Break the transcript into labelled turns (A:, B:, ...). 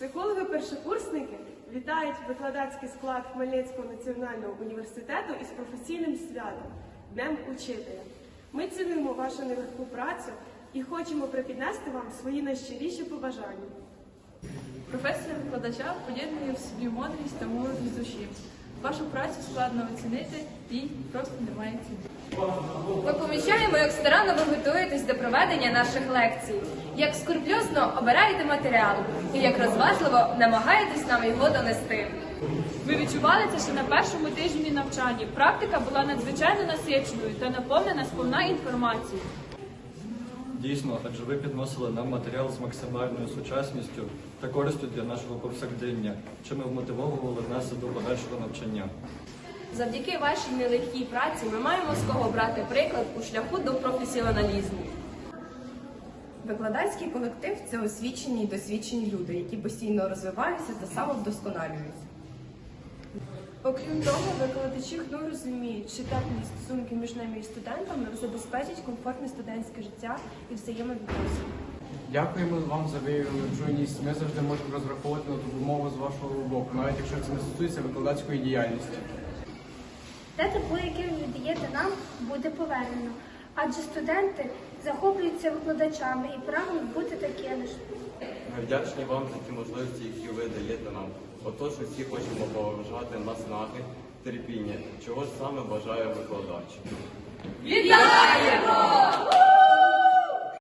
A: Психологи-першокурсники вітають викладацький склад Хмельницького національного університету із професійним святом – Днем Учителя. Ми цінуємо вашу нелегку працю і хочемо припіднести вам свої найщиріші побажання.
B: Професія викладача поєднує в собі мудрість та молодість душі. Вашу працю складно оцінити, їй просто немає ціни.
C: Ми помічаємо, як старанно ви готуєтесь до проведення наших лекцій, як скрупульозно обираєте матеріал і як розважливо намагаєтесь нам його донести.
B: Ви відчували це ще на першому тижні навчання. Практика була надзвичайно насиченою та наповнена сповна інформацією.
D: Дійсно, адже ви підносили нам матеріал з максимальною сучасністю та користю для нашого повсякдення, чим ви вмотивовували нас до подальшого навчання.
C: Завдяки вашій нелегкій праці ми маємо з кого брати приклад у шляху до професіоналізму.
E: Викладацький колектив – це освічені й досвідчені люди, які постійно розвиваються та самовдосконалюються.
A: Окрім того, викладачі ХНУ розуміють, що теплі стосунки між нами і студентами забезпечать комфортне студентське життя і взаємовідносини.
F: Дякуємо вам за виявлену чуйність. Ми завжди можемо розраховувати на допомогу з вашого боку, навіть якщо це не стосується викладацької діяльності.
G: Те тепло, яке ви віддаєте нам, буде повернено. Адже студенти захоплюються викладачами і прагнуть бути такими ж.
H: Ми вдячні вам за ті можливості, які ви даєте нам. Отож, усі хочемо поважати наснаги, терпіння, чого ж саме бажає викладач.
C: Вітаємо!